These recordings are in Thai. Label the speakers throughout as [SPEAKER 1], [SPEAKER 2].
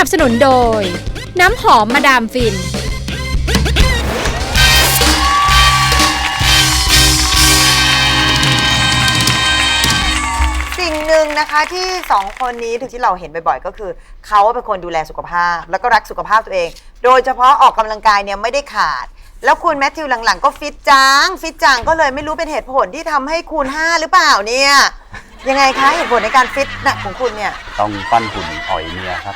[SPEAKER 1] นับสนุนโดยน้ำหอมมาดามฟิน
[SPEAKER 2] สิ่งหนึ่งนะคะที่2คนนี้ที่เราเห็นบ่อยๆก็คือเขาเป็นคนดูแลสุขภาพแล้วก็รักสุขภาพตัวเองโดยเฉพาะออกกำลังกายเนี่ยไม่ได้ขาดแล้วคุณแมทธิวหลังๆก็ฟิตจังก็เลยไม่รู้เป็นเหตุผลที่ทำให้คูณ5หรือเปล่าเนี่ยยังไงคะเหตุผลในการฟิตนะของคุณเนี่ย
[SPEAKER 3] ต้องปั้นหุ่นอ่อยเมียครับ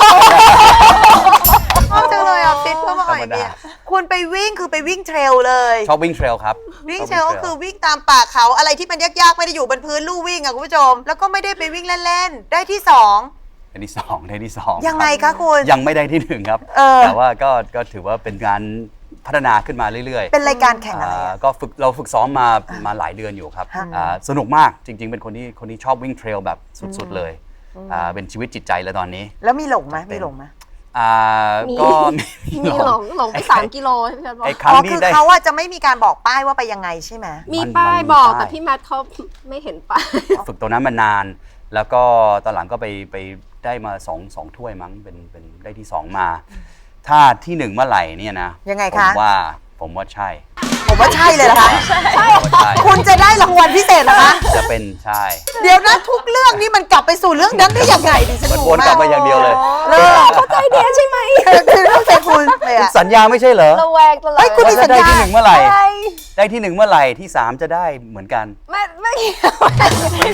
[SPEAKER 2] ชอบจังเลยอ่ะฟิตเพื่อมาอ่อยเมียคุณไปวิ่งคือไปวิ่งเทรลเลย
[SPEAKER 3] ชอบวิ่งเทรลครับ
[SPEAKER 2] วิ่งเทรลก็คือวิ่งตามป่าเขาอะไรที่มันยากๆไม่ได้อยู่บนพื้นลู่วิ่งอ่ะคุณผู้ชมแล้วก็ไม่ได้ไปวิ่งเล่นๆได้ที่2
[SPEAKER 3] ได้ที่สอง
[SPEAKER 2] ยังไงคะคุณ
[SPEAKER 3] ยังไม่ได้ที่1ครับแต่ว่าก็ถือว่าเป็นการพัฒนาขึ้นมาเรื่อยๆ
[SPEAKER 2] เป็นรายการแข่งอะไร
[SPEAKER 3] ก็เราฝึกซ้อมมาหลายเดือนอยู่ครับสนุกมากจริงๆเป็นคนที่ชอบวิ่งเทรลแบบสุดๆเลยเป็นชีวิตจิตใจแล้วตอนนี้
[SPEAKER 2] แล้วมีหลงไหม
[SPEAKER 3] ก็
[SPEAKER 4] มีหลงไป3 กิโลพี่แพทย์บอก
[SPEAKER 2] คือเขาจะไม่มีการบอกป้ายว่าไปยังไงใช่ไหม
[SPEAKER 4] มีป้ายบอกแต่พี่แมทเขาไม่เห็นป้าย
[SPEAKER 3] ฝึกตรงนั้นมานานแล้วก็ตอนหลังก็ไปได้มา2ถ้วยมั้งเป็นได้ที่2มาถ้าที่1เมื่อไหร่เนี่ยนะ
[SPEAKER 2] ยังไงคะ
[SPEAKER 3] ผมว่าใช่
[SPEAKER 2] เลยนะคะใช่คุณจะได้รางวัลพิเศษเหรอคะ
[SPEAKER 3] จะเป็นใช่
[SPEAKER 2] เดี๋ยวนะทุกเรื่องนี้มันกลับไปสู่เรื่องนั้นได้ยังไงดิฉัน
[SPEAKER 3] มันวนกลับมาอย่างเดียวเลย
[SPEAKER 4] เข้าใจเดียใช่ไหม
[SPEAKER 2] คือเข้าใจคุณ
[SPEAKER 3] สัญญาไม่ใช่เหรอ
[SPEAKER 4] ระแวงตลอด
[SPEAKER 2] คุณมีสัญญา
[SPEAKER 3] ได้ที่1เมื่อไหร่ได้ที่1เมื่อไหร่ที่3จะได้เหมือนกัน
[SPEAKER 4] ไม่เกี่ยว
[SPEAKER 3] ที่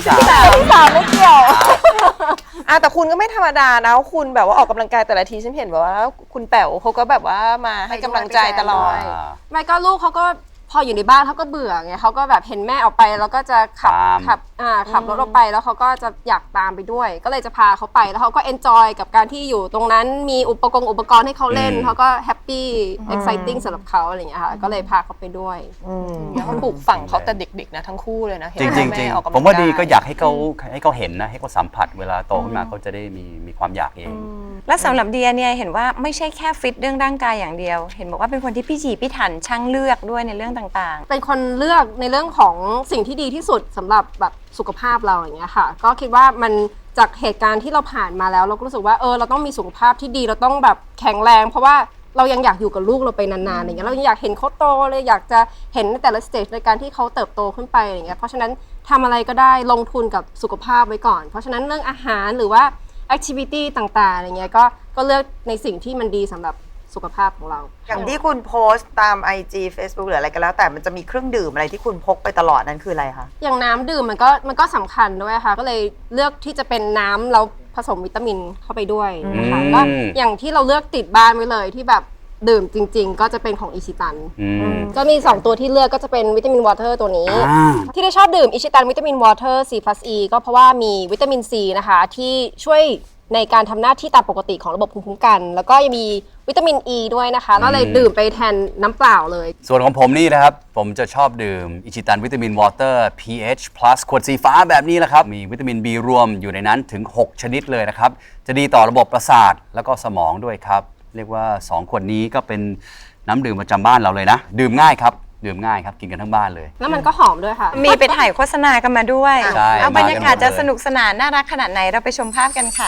[SPEAKER 4] 3ไม่เกี่ยว
[SPEAKER 5] แต่คุณก็ไม่ธรรมดานะคุณแบบว่าออกกำลังกายแต่ละทีฉันเห็นแบบว่าคุณแป๋วเขาก็แบบว่ามาให้กำลังใจตลอด
[SPEAKER 4] ไม่ก็ลูกเขาก็พออยู่ในบ้านเขาก็เบื่อไงเขาก็แบบเห็นแม่ออกไปแล้วก็จะขับรถออกไปแล้วเขาก็จะอยากตามไปด้วยก็เลยจะพาเขาไปแล้วเขาก็เอนจอยกับการที่อยู่ตรงนั้นมีอุปกรณ์ให้เขาเล่นเขาก็แฮปปี้เอ็กไซติ้งสำหรับเขาอะไรอย่างเงี้ยค่ะก็เลยพาเขาไปด้วย
[SPEAKER 5] แล้วปลูกฝังเขาแต่เด็กๆนะทั้งคู่เลยนะ
[SPEAKER 3] จริงๆผมว่าดีก็อยากให้เขาเห็นนะให้เขาสัมผัสเวลาโตขึ้นมาเขาจะได้มีความอยากเอง
[SPEAKER 6] และสำหรับเดียเนี่ยเห็นว่าไม่ใช่แค่ฟิตเรื่องร่างกายอย่างเดียวเห็นบอกว่าเป็นคนที่พิถีพิถันช่างเลือกด้วยในเรื่องต่าง
[SPEAKER 4] ๆเป็นคนเลือกในเรื่องของสิ่งที่ดีที่สุดสำหรับแบบสุขภาพเราอย่างเงี้ยค่ะก็คิดว่ามันจากเหตุการณ์ที่เราผ่านมาแล้วเราก็รู้สึกว่าเราต้องมีสุขภาพที่ดีเราต้องแบบแข็งแรงเพราะว่าเรายังอยากอยู่กับลูกเราไปนานๆอย่างเงี้ยเรายังอยากเห็นเขาโตเลยอยากจะเห็นในแต่ละสเตจในการที่เขาเติบโตขึ้นไปอย่างเงี้ยเพราะฉะนั้นทำอะไรก็ได้ลงทุนกับสุขภาพไว้ก่อนเพราะฉะนั้นเรื่องอาหารหรือว่าแอคทิวิตี้ต่างๆอย่างเงี้ยก็เลือกในสิ่งที่มันดีสำหรับสุขภาพของเรา
[SPEAKER 2] อย่างที่คุณโพสต์ตาม IG Facebook หรืออะไรก็แล้วแต่มันจะมีเครื่องดื่มอะไรที่คุณพกไปตลอดนั้นคืออะไรคะ
[SPEAKER 4] อย่างน้ำดื่มมันก็สำคัญด้วยค่ะก็เลยเลือกที่จะเป็นน้ำแล้วผสมวิตามินเข้าไปด้วยนะคะก็อย่างที่เราเลือกติดบ้านไว้เลยที่แบบดื่มจริงๆก็จะเป็นของอิชิตันก็มี2ตัวที่เลือกก็จะเป็นวิตามินวอเตอร์ตัวนี้ที่ได้ชอบดื่มอิชิตันวิตามินวอเตอร์ C+E ก็เพราะว่ามีวิตามินซีนะคะที่ช่วยในการทำหน้าที่ตามปกติของระบบภูมิคุ้มกันแล้วก็ยังมีวิตามิน E ด้วยนะคะก็เลยดื่มไปแทนน้ำเปล่าเลย
[SPEAKER 3] ส่วนของผมนี่นะครับผมจะชอบดื่มอิชิตันวิตามินวอเตอร์ pH plus ขวดสีฟ้าแบบนี้แหละครับมีวิตามิน B รวมอยู่ในนั้นถึง6ชนิดเลยนะครับจะดีต่อระบบประสาทแล้วก็สมองด้วยครับเรียกว่า2ขวดนี้ก็เป็นน้ำดื่มประจำบ้านเราเลยนะดื่มง่ายครับกินกันทั้งบ้านเลย
[SPEAKER 4] แล้วมันก็หอมด้วยค่ะ
[SPEAKER 6] มีไปถ่ายโฆษณากันมาด้วยเอาบรรยากาศจะสนุกสนานน่ารักขนาดไหนเราไปชมภาพกันค่ะ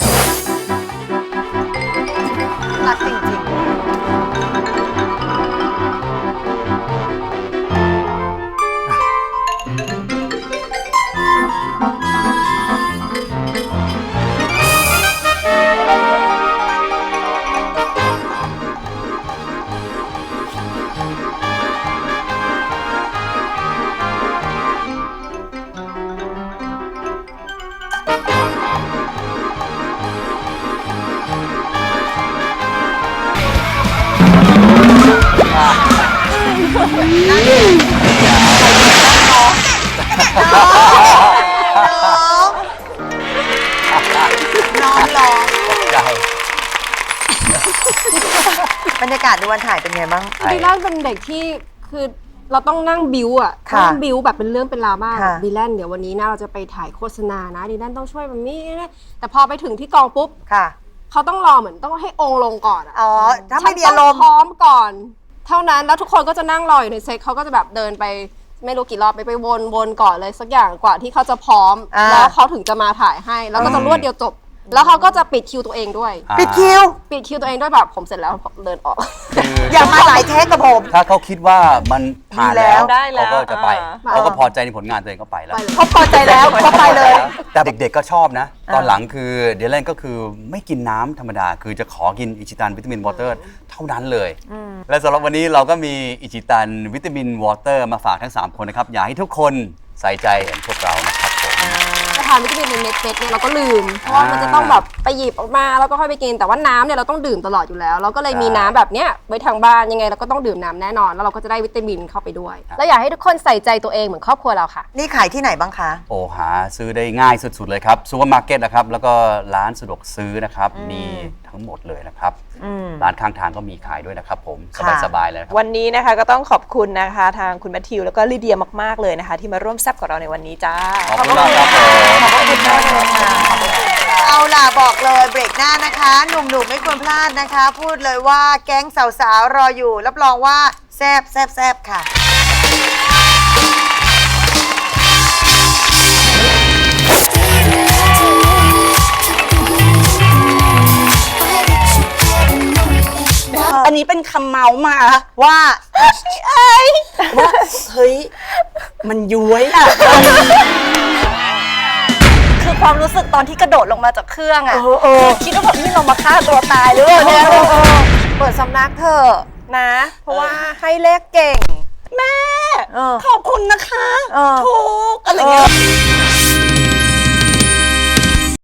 [SPEAKER 2] รักจริงๆน้องร้องบรรยากาศในวันถ่ายเป็นไงบ้าง
[SPEAKER 4] ดีแลนเป็นเด็กที่คือเราต้องนั่งบิ้วนั่งบิ้วแบบเป็นเรื่องเป็นราวมากดีแลนเดี๋ยววันนี้นะเราจะไปถ่ายโฆษณานะดีแลนต้องช่วยแบบนี้แต่พอไปถึงที่กองปุ๊บเขาต้องรอเหมือนต้องให้องค์ลงก่อน
[SPEAKER 2] ถ้าไม่มีอารมณ์
[SPEAKER 4] พร้อมก่อนเท่านั้นแล้วทุกคนก็จะนั่งรออยู่ในเซตเขาก็จะแบบเดินไปไม่รู้กี่รอบไปวนก่อนเลยสักอย่างกว่าที่เขาจะพร้อมแล้วเขาถึงจะมาถ่ายให้แล้วก็จะรวดเดียวจบแล้วเขาก็จะปิดคิวตัวเองด้วย
[SPEAKER 2] ปิดคิว
[SPEAKER 4] ปิดคิวตัวเองด้วยแบบผมเสร็จแล้วผมเดินออก
[SPEAKER 2] อย่ามาหลายเทคกับผม
[SPEAKER 3] ถ้าเขาคิดว่ามันผ่าน
[SPEAKER 2] ดีแล้
[SPEAKER 3] แล้ว ว
[SPEAKER 5] ได้แล้ว
[SPEAKER 3] เขาก็จะไป
[SPEAKER 4] อ่า
[SPEAKER 3] เขาก็พอใจในผลงานตัวเองก็ไปแล้ว
[SPEAKER 4] ไปเลย
[SPEAKER 2] เขาพอใจแล้วเขาไปเลย
[SPEAKER 3] แต่เด็กๆก็ชอบนะ ตอนหลังคือเดลเลนก็คือไม่กินน้ำธรรมดา คือจะขอกินอิชิตันวิตามินวอเตอร์เท่านั้นเลย และสำหรับวันนี้เราก็มีอิชิตันวิตามินวอเตอร์มาฝากทั้ง 3 คนนะครับ อยากให้ทุกคนใส่ใจเหมือนพวกเรานะครับผม
[SPEAKER 4] จะทานวิตามินเป็นเม็ดๆเนี่ยเราก็ลืม เพราะว่ามันจะต้องแบบไปหยิบออกมาแล้วก็ค่อยไปกิน แต่ว่าน้ำเนี่ยเราต้องดื่มตลอดอยู่แล้ว เราก็เลยมีน้ำแบบเนี้ยไว้ทางบ้านยังไงเราก็ต้องดื่มน้ำแน่นอน แล้วเราก็จะได้วิตามินเข้าไปด้วย แล้วอยากให้ทุกคนใส่ใจตัวเองเหมือนครอบครัวเราค่ะ
[SPEAKER 2] นี่ขายที่ไหนบ้างคะ
[SPEAKER 3] โอ้หาซื้อได้ง่ายสุดๆเลยครับซูเปอร์มาร์เก็ตนะครับ แล้วก็ร้านสะดวกซื้อนะครับ มีทั้งหมดเลยนะครับ ร้านข้างทางก็มีขายด้วยนะครับผม
[SPEAKER 2] ค่ะ
[SPEAKER 3] สบายๆเลยนะครับ
[SPEAKER 5] วันนี้นะคะก็ต้องขอบคุณนะคะทางคุณแมทธิวแล้วก็ลิเดียมากๆเลยนะคะ ที่มาร่วมแซ่บกับเราในวันนี้จ้า
[SPEAKER 3] ขอบคุณมากครับผม
[SPEAKER 2] ขอบคุณมากเลยค่ะเอาล่ะบอกเลยเบรกหน้านะคะ หนุ่มๆไม่ควรพลาดนะคะ พูดเลยว่าแก๊งสาวๆรออยู่ รับรองว่าแซบแซบแซบค่ะ
[SPEAKER 7] อันนี้เป็นคำเมาส์มา
[SPEAKER 2] ว่า
[SPEAKER 7] ว่าเฮ้ย มันย้วยอ่ะ คือความรู้สึกตอนที่กระโดดลงมาจากเครื่องอ่ะคิดว่าแบบนี่เรามาฆ่าตัวตายหรือเปล่าเนี่ย
[SPEAKER 5] เปิดสำนักเถอะนะ เพราะว่าให้เลขเก่ง
[SPEAKER 7] แม่
[SPEAKER 2] เออ
[SPEAKER 7] ขอบคุณนะคะ
[SPEAKER 2] เออ
[SPEAKER 7] ถูกอะไรเงี้ย